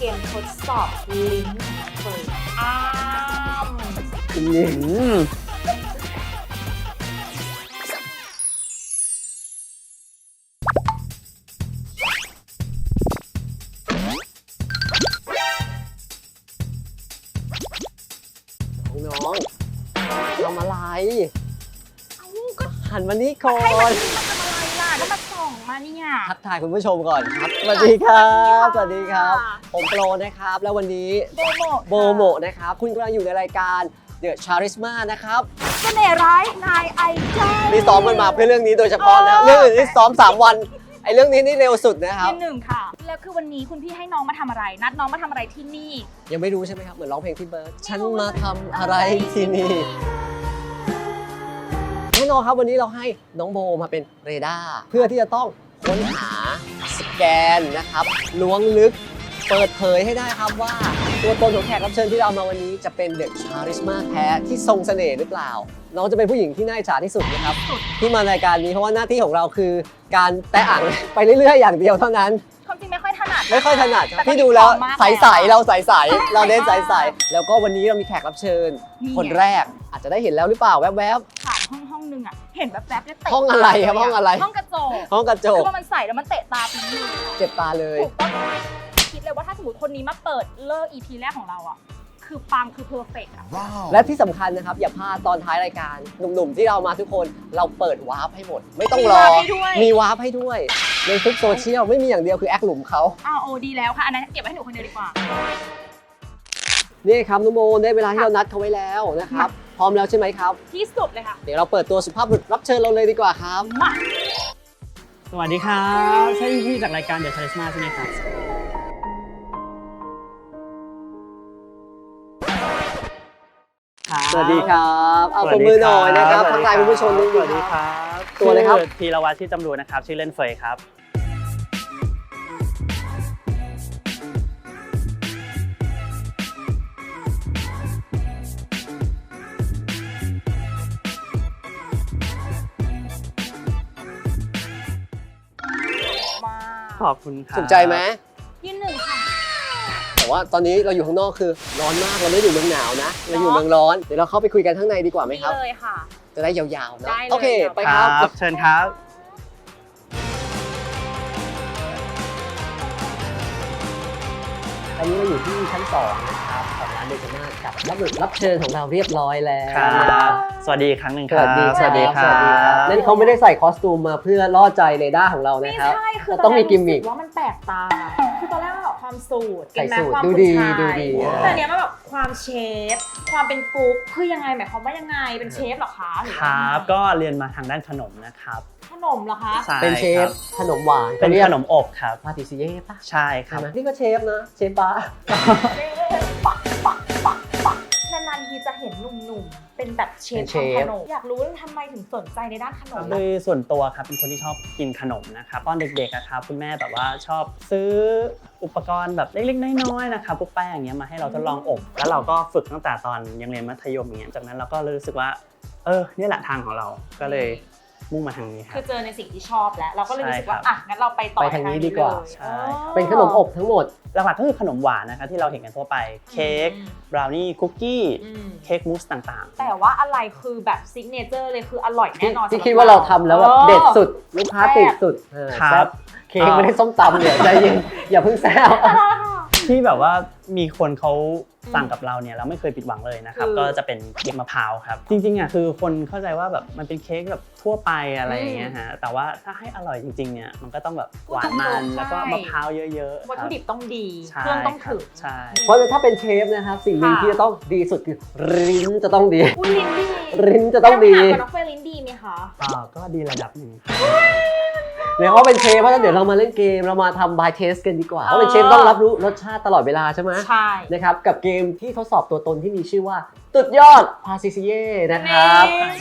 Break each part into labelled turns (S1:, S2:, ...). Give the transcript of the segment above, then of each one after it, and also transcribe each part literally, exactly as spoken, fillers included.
S1: เกมทดสอบลิ้นเปิดอ้าม
S2: อืมน้องๆทำอะไรหันมานี่ก่อน
S1: ให้มันมาทำอะไรล่ะแล้วมาส่องมาเนี่ย
S2: ทักทายคุณผู้ชมก่อนครับสวัสดีครับสวัสดีครับผมโปรนะครับแล้ววันนี้
S1: โบโม
S2: โบโมนะครับคุณกำลังอยู่ในรายการ The Charisma นะครับ
S1: เสน่ห์ร้ายนายไอดอล
S2: นี่ซ้อมกันมาเพื่อเรื่องนี้โดยเฉพาะนะเรื่องอื่นนี่ซ้อมสามวันไอ้เรื่องนี้นี่เร็วสุดนะครับ
S1: ที่หนึ่งค่ะแล้วคือวันนี้คุณพี่ให้น้องมาทำอะไรนัดน้องมาทำอะไรที่นี่
S2: ยังไม่รู้ใช่ไหมครับเหมือนร้องเพลงพี่เบิร์ดฉันมาทำอะไรที่นี่แน่นอนครับวันนี้เราให้น้องโบมาเป็นเรดาร์เพื่อที่จะต้องค้นหาสแกนนะครับล้วงลึกเปิดเผยให้ได้ครับว่าตัวตนของแขกรับเชิญที่เรามาวันนี้จะเป็นเด็กชาริสมาแท้ที่ทรงเสน่ห์หรือเปล่าน้องจะเป็นผู้หญิงที่น่าอิจฉาที่สุดนะครับที่มารายการนี้เพราะว่าหน้าที่ของเราคือการแตะอ่างไปเรื่อยๆอย่างเดียวเท่านั้น
S1: ความจริงไม่ค่อยถนัด
S2: ไม่ค่อยถนัด
S1: แต่ก็
S2: พี่ดูแล้ว
S1: มีความมาก
S2: ใสๆเราใสๆเราเน้น
S1: ใส
S2: ใส
S1: มาก
S2: ๆแล้วก็วันนี้เรามีแขกรับเชิญ
S1: นี่
S2: คนแรกอาจจะได้เห็นแล้วหรือเปล่าแวบ
S1: ผ่านห้องห้องนึงอ่ะเห็นแบบแป๊บๆแล้วเตะ
S2: ห้องอะไรครับห้องอะไร
S1: ห้องกระจก
S2: ๆห้องกระจ
S1: คื
S2: ก
S1: อว่ามันใส่แล้วมันเตะตาพี่
S2: เจ็บตาเลย
S1: ถูกต้องคิดเลยว่าถ้าสมมติคนนี้มาเปิดเลิก อี พี แรกของเราอ่ะคือปังคือเพอร์เฟกต์อ่ะ
S2: และที่สำคัญนะครับอย่าพลาดตอนท้ายรายการหนุ่มๆที่เรามาทุกคนเราเปิดวาร์ปให้หมด ไม่ต้องรอ
S1: มีวาร์ปให้ด้วย
S2: มีวาร์ปให้ด้วยในทุกโซเชียลไม่มีอย่างเดียวคือแอคหลุมเขา
S1: อ้าวโอ้ดีแล้วค่ะอันนั้นเก็บไว้ให้หนูคนเดียวดีกว่า
S2: นี่ครับน้องโมได้เวลาที่เรานัดเขาไว้แล้วนะครับพร้อมแล้วใช่ไหมครับ
S1: ที่สุดเลยค่ะ
S2: เดี๋ยวเราเปิดตัวสุภาพบุรุษรับเชิญเราเลยดีกว่าครับ
S1: มา
S3: สวัสดีครับใช่พี่จากรายการ The Charisma ใช่ไหมครับครับ
S2: สวัสดีครับเอาปรบมือหน่อยนะครับทักทายคุณผู้ชมนิด
S3: ส
S2: นึ
S3: วั
S2: ง
S3: สดีครับ
S2: ตัวอะไรครับ
S3: ชื่อธีรวัตรที่จำรูนนะครับชื่อเล่นเฟยครับ
S1: มา
S3: ขอบคุณครับ
S2: ถูกใจไหม
S1: ที่หนึ่งค่ะ
S2: แต่ว่าตอนนี้เราอยู่ข้างนอกคือร้อนมากเราไม่ได้อยู่เมืองหนาวนะเราอยู่เมืองร้อนเดี๋ยวเราเข้าไปคุยกันข้างในดีกว่าไหม
S1: นี่
S2: ครับ
S1: เลยค่ะ
S2: จะได้ยาวๆนะ
S1: ได้เลย
S2: โอเคไป
S3: ค
S2: ค
S3: รั
S2: รั
S3: บบ เชิญครับ
S2: อันนี้เราอยู่ที่ชั้นสองนะครับของร้านเดชมาศกับรับรับเชิญของเราเรียบร้อยแล้ว
S3: ครับ สวัสดีอีกครั้งหนึ่ง
S2: ส
S3: ครับ
S2: วัสดี
S1: สวัสดี
S2: สวัสดีครับนั่นเขาไม่ได้ใส่คอสตูมมาเพื่อล่อใจเรดาร์ของเรา
S1: ไม่
S2: นะครับ
S1: ใช่คือ
S2: เราต้องมีกิมมิค
S1: ตอนแรรู้สึว่ามันแปลกตา คือตอนแรกมันแบบความสูตร
S2: ใส่
S1: เก็ตไหม
S2: สูท
S1: ความ
S2: ดู
S1: ผู้
S2: ดี
S1: ชาย
S2: ดูดี
S1: แต่เนี้ยมันแบบความเชฟ ความเป็นกุ๊กคือยังไงหมายความว่ายังไงเป็นเชฟเหรอคะหรือ
S3: ค
S1: ว่า
S3: รับก็เรียนมาทางด้านขนมนะครับ
S1: ขนมเหรอคะ
S3: ใช่
S2: เป็นเช
S3: ค
S2: ฟ
S3: รับ
S2: ขนมหวาน
S3: เป็นขนมอบครับ
S2: พาติซิเย่ปะ
S3: ใช่ค
S2: ใช่
S3: รับ
S2: ไหมนี่ก็เชฟนะเชฟบาร์
S1: เชฟปักปักปักปักนานๆทีจะเห็นหนุ่มๆ เป็นแบบเชฟทำขนม อยากรู้ว่าทำไมถึงสนใจในด้านขนม
S3: โดยส่วนตัวครับเป็นคนที่ชอบกินขนมนะครับตอนเด็กๆอะครับคุณแม่แบบว่าชอบซื้ออุปกรณ์แบบเล็กๆน้อยๆนะครับพวกแป้งอย่างเงี้ยมาให้เราทดลองอบแล้วเราก็ฝึกตั้งแต่ตอนยังเรียนมัธยมอย่างเงี้ยจากนั้นเราก็รู้สึกว่าเออนี่แหละทางของเราก็เลยมุ่งมาทางนี้ครั
S1: คื
S3: บ
S1: อเจอในสิ่งที่ชอบแล้ว เราก็เลยรู้สึกว่า
S3: ใช่ครับ
S1: อ่ะ งั้นเราไปต่อ
S2: ไปทางนี้ดีกว่า
S1: เลย
S3: ใช่
S1: อ๋อ
S2: เป็นขนมอบทั้งหมด
S3: หลักๆก็คือขนมหวานนะครับที่เราเห็นกันทั่วไปเค้ก
S1: อืม
S3: บราวนี่คุกกี้
S1: อืม
S3: เค้กมูสต่างๆ
S1: แต่ว่าอะไรคือแบบซิกเนเจอร์เลยคืออร่อยแน่นอน
S2: ที่
S1: สำหบ
S2: คิดว่าเราทำแล้วแบบ
S1: ออ
S2: เด็ดสุดลูกค้าติดสุดเออ
S3: ครับ
S2: แซ่บเค้กไม่ได้ส้มตำเนี่ยใจเย็นอย่าเพิ่งแซว
S3: ที่แบบว่ามีคนเขาสั่งกับเราเนี่ยเราไม่เคยผิดหวังเลยนะครับ
S1: คือ
S3: ก็จะเป็นเค้กมะพร้าวครับจริงๆอ่ะคือคนเข้าใจว่าแบบมันเป็นเค้กแบบทั่วไปอะไรอย่างเงี้ยฮะแต่ว่าถ้าให้อร่อยจริงๆเนี่ยมันก็ต้องแบบหวานมันแล้วก็มะพร้าวเยอะๆ
S1: วัตถุดิบต้องดี
S3: ใช่
S1: เครื่องต้องถึง
S3: ใช่
S2: เพราะถ้าเป็นเชฟนะครับสิ่งหนึ่ง
S1: ค่ะ
S2: ที่จะต้องดีสุดคือลิ้นจะต้องดี
S1: อุ้ยลิ้นดี
S2: ลิ้นจะต้องดี
S1: แล้วถามกับน้องเฟยลิ้นดีไหมคะ
S3: อ่าก็ดีระดับหนึ่ง
S2: เนี่ยว่าเป็นเชฟเพราะฉะนั้นเดี๋ยวเรามาเล่นเกมเรามาทำ by test กันดีกว่าเพราะเป็นเชฟต้องรับรู้รสชาติตลอดเวลาใช่ไหม
S1: ใช่
S2: นะครับกับเกมที่ทดสอบตัวตนที่มีชื่อว่าตุดยอดพาซิซิเย่นะครับ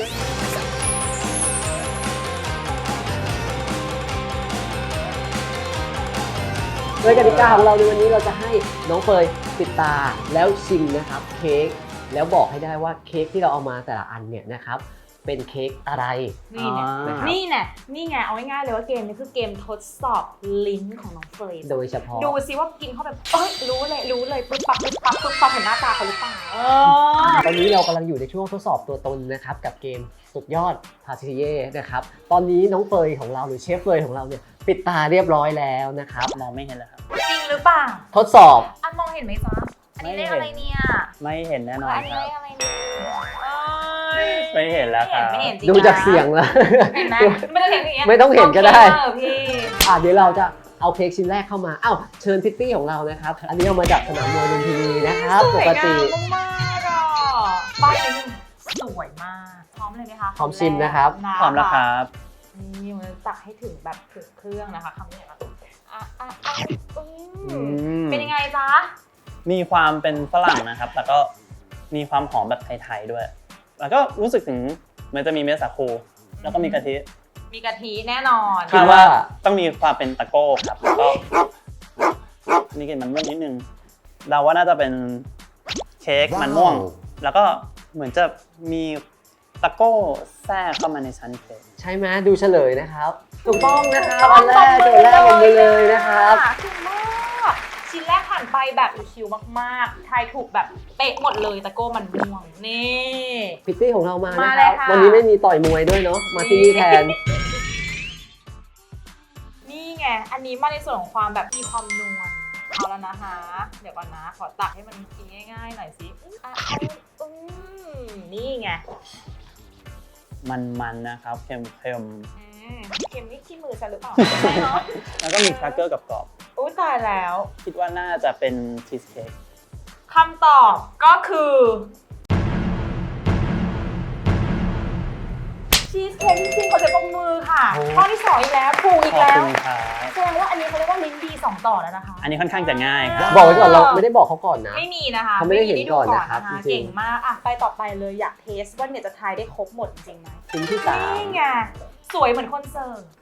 S2: โดยกติกาของเราในวันนี้เราจะให้น้องเฟยปิดตาแล้วชิมนะครับเค้กแล้วบอกให้ได้ว่าเค้กที่เราเอามาแต่ละอันเนี่ยนะครับเป็นเค้กอะไร
S1: นี่ไง
S3: อ่า
S1: นี่ไงนี่ไงเอาง่ายๆเลยว่าเกมนี้คือเกมทดสอบลิ้นของน้องเฟรน
S2: โดยเฉพาะ
S1: ดูซิว่ากินเข้าไปเอ้ยรู้เลยรู้เลยปึ๊บปั๊บปึ๊บปั๊บปึ๊บปั๊บเห็นหน้าตาเขาหรือเปล่าเออ
S2: ตอนนี้เรากำลังอยู่ในช่วงทดสอบตัวตนนะครับกับเกมสุดยอดพาทิเย่นะครับตอนนี้น้องเฟยของเราหรือเชฟเฟยของเราเนี่ยปิดตาเรียบร้อยแล้วนะครับ
S3: มองไม่เห็นเลยครับ
S1: จริงหรือเปล่า
S2: ทดสอบ
S1: อันมองเห็นไหมจ๊ะอันนี้เลขอะไรเนี่ย
S3: ไม่เห็นแน่นอน
S1: อันนี้
S3: ครั
S1: เล
S3: บ
S1: ขอะไรเนี่ยเอ้ย
S3: ไม่เห็นแล้วครับ
S1: ไม่เห็นจริง
S2: ดูจากเสียงแล้ว
S1: เห็นไหมไม่ต้องเห็นอย่างเงี้ย
S2: ไม่ต้องเห็นก็ได้
S1: โอเคเออพี่
S2: อ่ะเดี๋ยวเราจะเอาเค้กชิ้นแรกเข้ามาอ้าวเชิญพิตตี้ของเรานะครับอันนี้เอามาจากสนามมวยลุมพินีนะครับ
S1: ส
S2: ป
S1: วย
S2: ก
S1: งา
S2: ติ
S1: มมากๆอ่ะป้ายนี้สวยมากพร้อมเลยไหมคะ
S2: พร้อมชิมนะครับ
S3: พร้อมแล้วครับ
S1: นี่มันตักให้ถึงแบบถึงเครื่องนะคะคำนี้อ่ะอ่ะอ่ะอ่ะอืมเป็นยังไงจ๊ะ
S3: มีความเป็นฝรั่งนะครับ แต่ก็มีความหอมแบบไทยๆด้วย แล้วก็รู้สึกถึงมันจะมีเม็ดสาคู แล้วก็มีกะทิ
S1: มีกะทิแน่นอน
S2: คิดว่า
S3: ต้องมีความเป็นตะโก้ครับ แล้วก็นี่กลิ่นมันม่วงนิดนึงเราว่าน่าจะเป็นเค้กมันม่วง แล้วก็เหมือนจะมีตะโก้แทรกเข้ามาในชั้นเค้ก
S2: ใช่ไหมดูเฉลยนะครับถูกต้องนะครับอันแรกโจทย์แรกลงไปเลยนะครับ
S1: ถึงมากชิ้นแรกผ่านไปแบบชิวมากๆทายถูกแบบเป๊ะหมดเลยตะโก้มันม่วงนี่
S2: พิตตี้ของเรามา
S1: มา
S2: นะ
S1: เล
S2: ค
S1: ย
S2: รับ
S1: ค่ะ
S2: วันนี้ไม่มีต่อยมวยด้วยเนาะมาที่นี่แทน
S1: นี่ไงอันนี้มาในส่วนของความแบบมีความนวลเอาแล้วนะคะเดี๋ยวก่อนนะขอตักให้มันกินง่ายๆหน่อยสิอ่ะเอาอืมนี่ไง
S3: มันๆนะครับเค็ม
S1: อืมเค็มนี่ขี้มือฉันหรือเปล่าไม่ใช่เนาะ
S3: ๆแล้วก็มีแครกเกอร์กับกรอบ
S1: อุ้ยตายแล้ว
S3: ๆคิดว่าน่าจะเป็นชีสเค้ก
S1: คำตอบก็คือชีสเค้กจริงๆเขาจะปรบมือค่ะ
S2: โอ้
S1: ข้อที่สองอีกแล้วถูกอี
S3: ข
S1: ก
S3: อบ
S1: แล้ว
S3: คุณครับ
S1: แสดงว่าอันนี้เขาเรียกว่าลิ้นดีสองต่อแล้วนะคะ
S3: อันนี้ค่อนข้างจะง่ายครับ
S2: บอกไว้ก่อนเราไม่ได้บอกเขาก่อนนะ
S1: ไม่มีนะคะ
S2: เขาไม่ได้เห็นก่อนนะครับ
S1: ไม่มี
S2: จริงๆ
S1: เก่งมากอ่ะไปต่อไปเลยอยากเทสว่าเนี่ยจะทายได้ครบหมดจริงไหม
S2: ชิ้นที่สาม
S1: นี่ไงสวยเหมือนคนเสิร์ฟ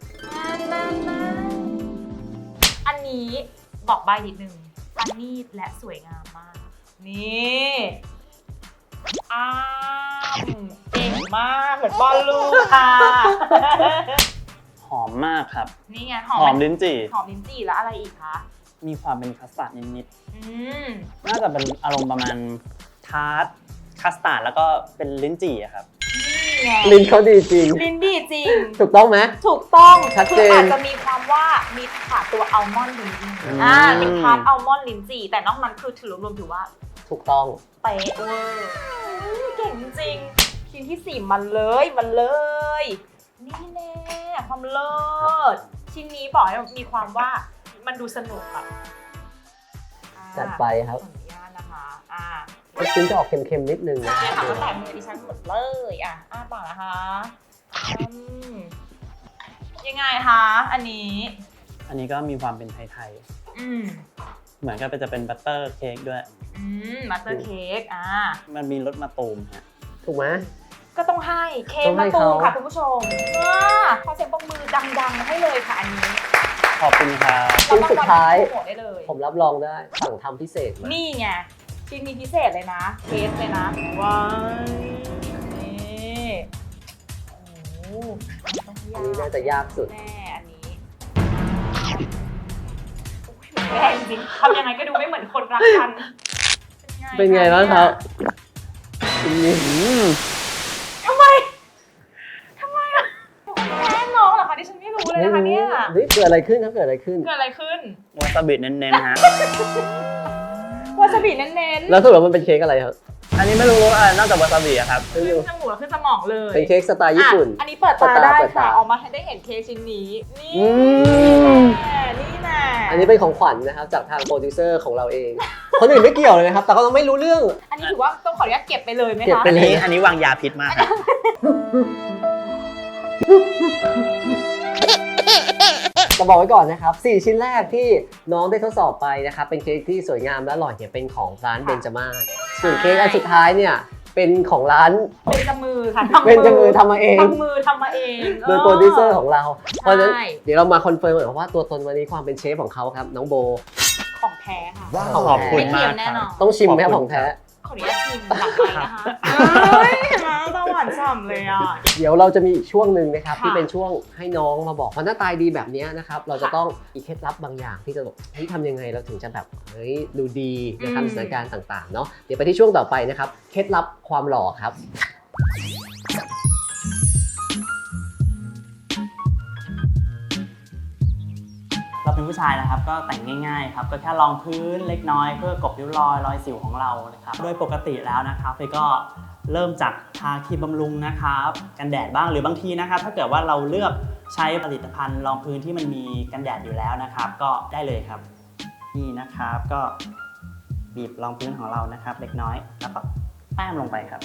S1: อันนี้บอกใบนิดนึงประณีตและสวยงามมาก นี่อ้ามเก่งมากเหมือนบอลลูนค่ะ
S3: หอมมากครับ
S1: นี่ไงห
S3: ห
S1: อ
S3: อ
S1: ม
S3: มลิ้นจี่
S1: หอมลิ้นจี่แล้วอะไรอีกคะ
S3: มีความเป็นคัสตาร์ดนิด
S1: อืม
S3: ๆ น่าจะเป็นอารมณ์ประมาณทาร์ตคัสตาร์ดแล้วก็เป็นลิ้นจี่อะครับ
S1: นี่ไง
S2: ลิ้นเขาดีจริง
S1: ลิ้นดีจริง
S2: ถูกต้องไหม
S1: ถูกต้อง
S2: ชัดเจน
S1: คืออาจจะมีความว่ามีขาดตัวอัลมอนด์ลิ้นจี่
S2: อืม
S1: อ่าเป็นพาร์ทอัลมอนด์ลิ้นจี่แต่นอกนั้นคือถือรวมๆถือว่า
S2: ถูกต้อง
S1: เป๊ะเวอร์อุ๊ยเก่งจริงชิ้นที่สี่มันเลยมันเลย นี่แน่ความเลิศชิ้นนี้บอกให้มีความว่ามันดูสนุกอะอ่า
S2: จัดไปครับ
S1: ขออนุญาตนะคะอ่า
S2: ชิ้นจะออกเค็มๆนิดนึงนะ
S1: เนี่ยค่ะตั้งแต่มือดิฉันหมดเลยอ่ะอ้าปากนะคะอืมยังไงคะอันนี้
S3: อันนี้ก็มีความเป็นไทย
S1: อืม
S3: ๆ เหมือนกับจะเป็นบัตเตอร์เค้กด้วย
S1: อืมบัตเตอร์เค้กอ่า
S3: มันมีรสมะตูมฮะ
S2: ถูกไหม
S1: ก็ต้องให้เค้ก
S2: ต้องให้
S1: มะตูม
S2: เขา
S1: ค่ะคุณผู้ชมอ่าขอเสียงปรบมือดังๆให้เลยค่ะอันนี้
S3: ขอบคุณครับ
S2: ชิ้นสุดท้าย
S1: โปรโมทได้เลย
S2: ผมรับรองได้สั่งทำพิเศษมา
S1: นี่ไงชิ้นนี้พิเศษเลยนะเทสเลยนะว้ายนี่โอ้โหต้อง
S2: อันนี้น่าจะยากสุด
S1: แน่อันนี้แย่จริงทำยังไงก็ดูไม่เหมือนคนรักกัน
S2: เป็นไงบ้างครับชิ้นนี้
S3: อืม
S1: ทำไมทำไมอ่ะแม่น้องเหรอคะที่ฉันไม่รู้เลยนะคะเนี่ย
S2: เฮ้ยเกิดอะไรขึ้นครับเกิดอะไรขึ้น
S1: เกิดอะไรขึ้น
S3: วาซาบิเน้นๆฮะ
S1: วาซาบิเน้นๆ
S2: แล้วสรุปว่ามันเป็นเค้กอะไรครับ
S3: อันนี้ไม่รู้ว่าอะไรนอกจากวาซาบิอะครับ
S1: ขึ้นจมูกขึ้นสมองเลย
S2: เป็นเค้กสไตล์ญี่ปุ่น
S1: อ่ะอันนี้เปิดตา
S2: เปิดตา
S1: ได้
S2: เปิดตา
S1: ค่ะออกมาให้ได้เห็นเค้กชิ้นนี้ นี่
S2: อืม
S1: แน่นี่แน่
S2: อันนี้เป็นของขวัญนะครับจากทางโปรดิวเซอร์ของเราเอง คนอื่นไม่เกี่ยวเลยนะครับ แต่เขาต้องไม่รู้เรื่อง
S1: อันนี้ถือว่าต้องขออนุญาตเก็บไปเลยไหม
S2: เก็บ
S1: คะ
S2: ไป
S3: อัน
S2: เลย
S3: นี้อันนี้วางยาพิษมากครับ
S2: จะบอกไว้ก่อนนะครับสี่ชิ้นแรกที่น้องได้ทดสอบไปนะครับเป็นเค้กที่สวยงามและอร่อยเนี่ยเป็นของร้านเบนจามาศส่วนเค้กอันสุดท้ายเนี่ยเป็นของร้าน
S1: เป็นจมือค่ะ
S2: เบนจามือทำมาเอง
S1: ทำมือทำมาเอง
S2: โดยโปรดิวเซอร์ของเรา เพราะฉะนั้น
S1: ใช่
S2: เดี๋ยวเรามาคอนเฟิร์มกันว่าตัวตนวันนี้ความเป็นเชฟของเขาครับน้องโบ
S1: ของแท้ค่ะ
S2: ว้าว
S3: ขอบคุณ
S1: ไม่เที
S3: มาย ก
S1: มแน่
S3: ครั
S1: น
S3: บ
S1: อน
S2: ต้องชิมไหมครับ
S3: ข
S2: ข
S3: อบ
S2: อง
S3: คุณ
S2: แท้
S1: ขออนุญาตชิมหลังไปนะคะเฮ้ยนไหมตาหวานฉ่ำเลยอ่ะ
S2: เดี๋ยวเราจะมีอีกช่วงหนึ่งนะครับ
S1: ค่ะ
S2: ที่เป็นช่วงให้น้องมาบอกเพราะหน้าตายดีแบบเนี้ยนะครับเราจะต้องมีเคล็ดลับบางอย่างที่จะบอกเฮ้ยทำยังไงเราถึงจะแบบเฮ้ยดูดีนะครับสถานการณ์ต่างๆเนาะเดี๋ยวไปที่ช่วงต่อไปนะครับเคล็ดลับความหล่อครับ
S3: เราเป็นผู้ชายนะครับก็แต่งง่ายๆครับก็แค่รองพื้นเล็กน้อยเพื่อกลบริ้วรอยรอยสิวของเรานะครับโดยปกติแล้วนะครับเฟยก็เริ่มจากทาครีมบำรุงนะครับกันแดดบ้างหรือบางทีนะครับถ้าเกิดว่าเราเลือกใช้ผลิตภัณฑ์รองพื้นที่มันมีกันแดดอยู่แล้วนะครับ ก็ได้เลยครับนี่นะครับก็บีบรองพื้นของเรานะครับ เล็กน้อยแล้วก็แต้มลงไปครับ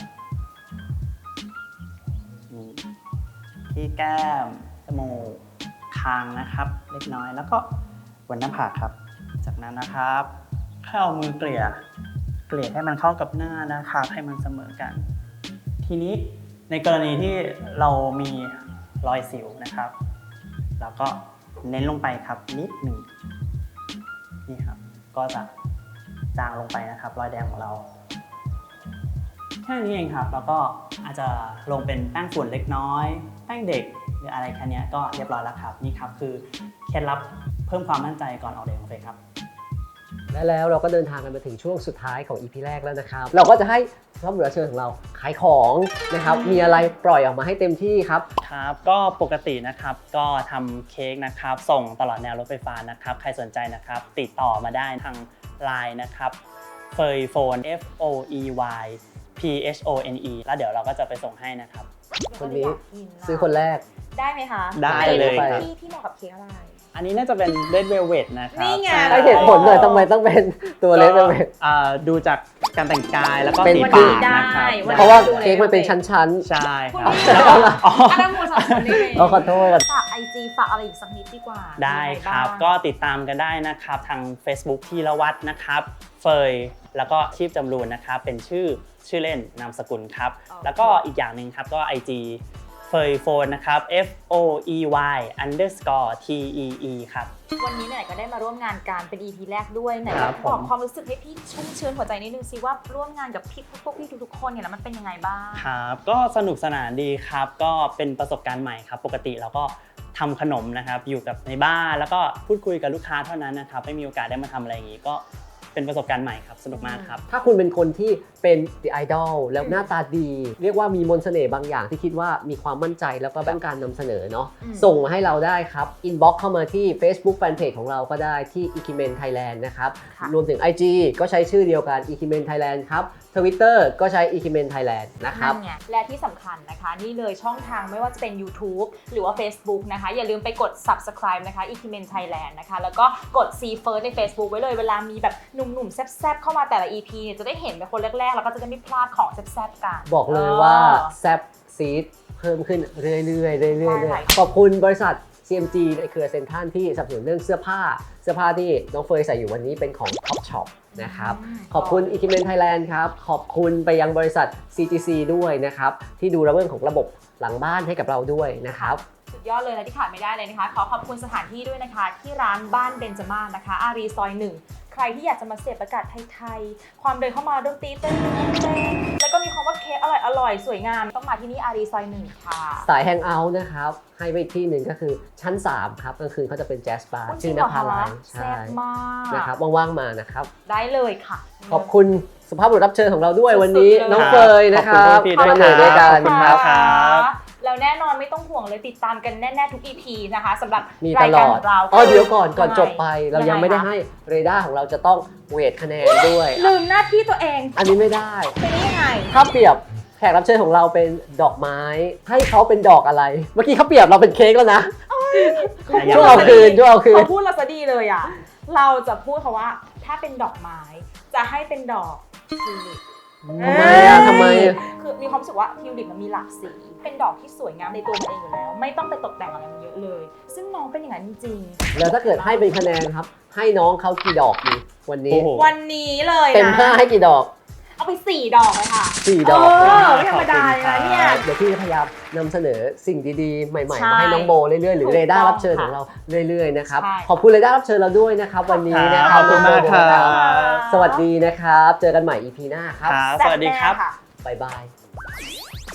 S3: นี่ที่แก้มจมูกคางนะครับเล็กน้อยแล้วก็บนหน้าผากครับจากนั้นนะครับแค่เอามือเกลี่ยเกลี่ยให้มันเข้ากับหน้านะครับให้มันเสมอกัน ทีนี้ในกรณีที่เรามีรอยสิวนะครับเราก็เน้นลงไปครับนิดหนึ่งนี่ครับก็จะจางลงไปนะครับรอยแดงของเราแค่นี้เองครับแล้วก็อาจจะลงเป็นแป้งฝุ่นเล็กน้อยแป้งเด็กหรืออะไรแค่นี้ก็เรียบร้อยแล้วครับนี่ครับคือเคล็ดลับเพิ่มความมั่นใจก่อนออกเดทของเฟยครับ
S2: และแล้วเราก็เดินทางกันมาถึงช่วงสุดท้ายของ อี พี แรกแล้วนะครับเราก็จะให้รับรับเชิญของเราขายของนะครับมีอะไรปล่อยออกมาให้เต็มที่ครับ
S3: ครับก็ปกตินะครับก็ทำเค้กนะครับส่งตลอดแนวรถไฟฟ้านะครับใครสนใจนะครับติดต่อมาได้ทาง ไลน์ นะครับเฟยโฟน F O E Y P H O N E แล้วเดี๋ยวเราก็จะไปส่งให้นะครับ
S2: คนนี้ซื้อคนแรก
S1: ได้ไหมคะ
S3: ได้เลยครับ
S1: พี่พี่เหมาะกับเค้กอะไร
S3: อันนี้น่าจะเป็น Red Velvet นะครับ
S1: นี่ไง
S2: ให้เหตุผลหน่อยทำไมต้องเป็นตัวเล็กเป็น
S3: อ่าดูจากการแต่งกายแล้วก็
S2: เป็น
S3: สี
S2: คือ
S3: ปากนะครับ
S1: ได้
S2: เพราะว่าเค้กมันเป็นชั้น
S3: ใช่ค
S1: คุณ
S3: รับ
S1: พี่
S3: แล้วก็อ๋อ
S1: อันนั้นหมูสับสนนี่
S2: ๆเราขอโทษ
S1: ฝากไอจีฝากอะไรอีกสักนิดดีกว่า
S3: ได้ครับ
S1: มีอะไาง
S3: ก็ติดตามกันได้นะครับทาง Facebook ธีรวัฒน์นะครับเฟยแล้วก็ชีพจำรูนนะครับเป็นชื่อชื่อเล่นนามสกุลครับแล้วก็อีกอย่างหนึ่งครับก็ ไอ จี เฟยโฟนนะครับ F O E Y underscore T E E ครับ
S1: วันนี้เนี่ยก็ได้มาร่วมงานกันเป็น อี พี แรกด้วยไหน
S3: ครับ
S1: บอก
S3: ผม
S1: ความรู้สึกให้พี่ชุ่มชื้นหัวใจนิดนึงสิว่าร่วมงานกับพี่พวกพี่ทุกๆคนเนี่ยแล้วมันเป็นยังไงบ้าง
S3: ครับก็สนุกสนานดีครับก็เป็นประสบการณ์ใหม่ครับปกติเราก็ทำขนมนะครับอยู่กับในบ้านแล้วก็พูดคุยกับลูกค้าเท่านั้นนะครับไม่มีโอกาสได้มาทำอะไรอย่างนี้ก็เป็นประสบการณ์ใหม่ครับสนุกมากครับ
S2: ถ้าคุณเป็นคนที่เป็นไอดอลแล้วหน้าตาดี เรียกว่ามีมนต์เสน่ห์บางอย่างที่คิดว่ามีความมั่นใจแล้วก็ต้องการนำเสนอเนาะ
S1: อืม
S2: ส่งมาให้เราได้ครับอินบ็อกเข้ามาที่ Facebook Fanpage ของเราก็ได้ที่ Ikimen Thailand นะครับ
S1: ค่ะ
S2: รวมถึง ไอ จี ก็ใช้ชื่อเดียวกัน Ikimen Thailand ครับ Twitter ก็ใช้ Ikimen Thailand นะครับ
S1: นั่นไงและที่สำคัญนะคะนี่เลยช่องทางไม่ว่าจะเป็น YouTube หรือว่า Facebook นะคะอย่าลืมไปกด Subscribe นะคะ Ikimen Thailand นะคะแล้วก็กด See First ใน Facebook ไว้เลยเวลามีแบบหนุ่มๆแซ่บๆเข้ามาแต่ละ อี พี เนี่ยจะได้เห็นเป็นคนแรกๆแล้วก็จะได้ไม่พลาดของแซ่บๆกัน
S2: บอกเลยว่าแซบซีดเพิ่มขึ้นเรื่อยๆเรื่อยๆเรื่
S1: ใช่
S2: อยๆขอบคุณบริษัท ซี เอ็ม จี ในเครือเซ็นทรัลที่สนับสนุนเรื่องเสื้อผ้า เสื้อผ้าที่น้องเฟยใส่อยู่วันนี้เป็นของ Top Shop นะครับ
S1: อืม
S2: ขอบคุณ Ikimen Thailand ครับ ขอบคุณไปยังบริษัท ซี จี ซี ด้วยนะครับ ที่ดูเรื่องของระบบหลังบ้านให้กับเราด้วยนะครับ
S1: สุดยอดเลยและที่ขาดไม่ได้เลยนะคะ ขอขอบคุณสถานที่ด้วยนะคะ ที่ร้านบ้านเบญจมาศนะคะ อารีซอยหนึ่งใครที่อยากจะมาเสพอากาศไทยๆ ความเดินเข้ามาดนตรีเต้นๆแล้วก็มีความว่าเค้กอร่อยอร่อยๆสวยงาม ต้องมาที่นี่อารีซอยหนึ่งค่ะ
S2: สายแฮงเอาท์นะครับ ให้ไปอีกที่หนึ่งก็คือชั้น สาม ครับกลางคืนเขาจะเป็นแจ๊สบาร์
S1: โย
S2: ชื่อนภาลัย
S1: แซ่บมาก
S2: นะครับว่างๆมานะครับ
S1: ได้เลยค่ะ
S2: ขอบคุณสุภาพบุรุษรับเชิญของเราด้วย
S1: สุดๆ
S2: วันนี้
S1: เลย
S2: น้องเฟยนะครับ
S3: ขอบคุณพี่ๆด้วย
S2: มาเหนื่อยด้วยกัน
S3: ขอบคุณ
S2: ค
S3: มา
S2: รับ
S3: กครับ
S1: แล้วแน่นอนไม่ต้องห่วงเลยติดตามกันแน่ๆทุก อี พี นะคะสำหรับ
S2: มี
S1: รา
S2: ต
S1: ย
S2: ล
S1: การ
S2: อ
S1: ข
S2: ด
S1: องเรา
S2: อ๋อเดี๋ยวก่อนก่อน
S1: ยังไง
S2: จบไป เรายังไม่ได้ให้เรดาร์ของเราจะต้องเวทคะแนนด้วย
S1: ลืมหน้าที่ตัวเอง
S2: อันนี้ไม่ได้
S1: เป็นยังไง
S2: ถ้าเปรียบแขกรับเชิญของเราเป็นดอกไม้ ให้เขาเป็นดอกอะไร เมื่อกี้เขาเปรียบเราเป็นเค้กแล้วนะ ช่วยเอาคืนช่วยเอาคืน
S1: เขาพูดเราซะดีเลยอ่ะ เราจะพูดเขาว่าถ้าเป็นดอกไม้ จะให้เป็นดอกทิวลิป
S2: ทำไมอ่ะทำไมอ่ะ
S1: คือมีความรู้สึกว่าทิวลิปมันมีหลากสี เป็นดอกที่สวยงามในตัวมันเองอยู่แล้ว ไม่ต้องไปตกแต่งอะไรมันเยอะเลย ซึ่งน้องเป็นอย่างนั้นจริง
S2: แล้วถ้าเกิดให้เป็นคะแนนครับ ให้น้องเขากี่ดอกดีวันนี้
S3: โอ้โห
S1: ๆวันนี้เลย
S2: เต็ม
S1: นะ
S2: ห้าให้กี่ดอก
S1: เอาไปสี่ดอกเลยค่ะ
S2: สี่
S1: เอ
S2: ดอก
S1: อไม่ธรรมดาเลยนะเนี่ย
S2: เดี๋ยวพี่จะพยายามนำเสนอสิ่งดีๆ ใหม่ๆ
S1: ใช่
S2: มาให้น้องโบเรื่อยๆ หรือ
S1: ถูก
S2: เรดาร์
S1: ต้อง
S2: รับเชิญ
S1: ค่ะ
S2: ของเราเรื่อยๆ นะครับ
S1: ใช่
S2: ขอบคุณเรดาร์รับเชิญเราด้วยนะครับ วันนี้นะค
S3: ข
S2: รั
S3: อบคุณมากครับ
S2: สวัสดีนะครับ เจอกันใหม่ อี พี หน้าครับ
S3: ครับ สวัสดีครับ
S1: แซ่แน่ะ
S2: บ๊ายบาย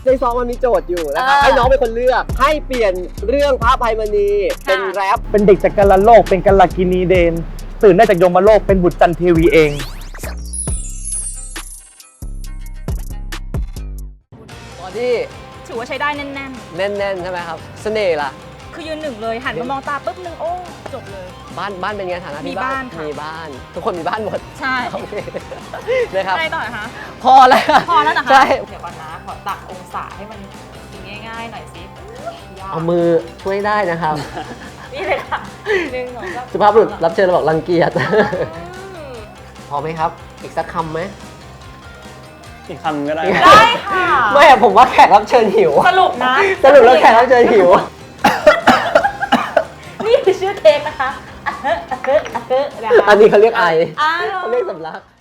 S2: ในซองมันมีโจทย์อยู่นะครับ
S1: เออ
S2: ให้น้องเป็นคนเลือกให้เปลี่ยนเรื่องพระอภัยมณีเป็นแรป
S4: เป็นเด็กจากกาลโลกเป็นกัลกินีเดน ตื่นได้จากยมโลกเป็นบุตรจันเทวีเอง
S2: ตอนที่
S1: ถือว่าใช้ได้แน่น
S2: แน่นๆใช่ไหมครับเสน่ห์ล่ะ
S1: ๆ คือยืนหนึ่งเลยหันมามองตาปุ๊บนึงโอ้จบเลย
S2: บ้านบ้านเป็นไงฐานะ
S1: มี
S2: ที่
S1: บ้านค่ะ
S2: มีบ้าน ทุกคนมีบ้านหมด
S1: ใช่
S2: โอเคนะครับ
S1: อะไรต่อนะคะ
S2: พอแล้ว
S1: พอแล้วนะคะ
S2: ใช่
S1: เดี๋ยวก่อนนะ ขอตักองศาให้มันกินง่ายๆหน่อยสิยาก
S2: เอามือช่วยได้นะครับ
S1: นี่เลยค่ะหนึ่งสองสาม
S2: สุภาพบุรุษรับเชิญเราบอกรังเกียจ
S1: อืม
S2: พอไหมครับ อีกสักคำไหม
S3: อีกคำก็ได้
S1: ได้ค่ะ
S2: ไม่อะผมว่าแขกรับเชิญหิว
S1: สรุปนะ
S2: สรุปแล้วแขกรับเชิญหิว
S1: นี่คือชื่อเทปนะคะอะเฮอะอะเฮอะอะเฮอะนะคะ
S2: อันนี้เขาเรียกไอ
S1: อ้าว
S2: เขาเรียกสำลัก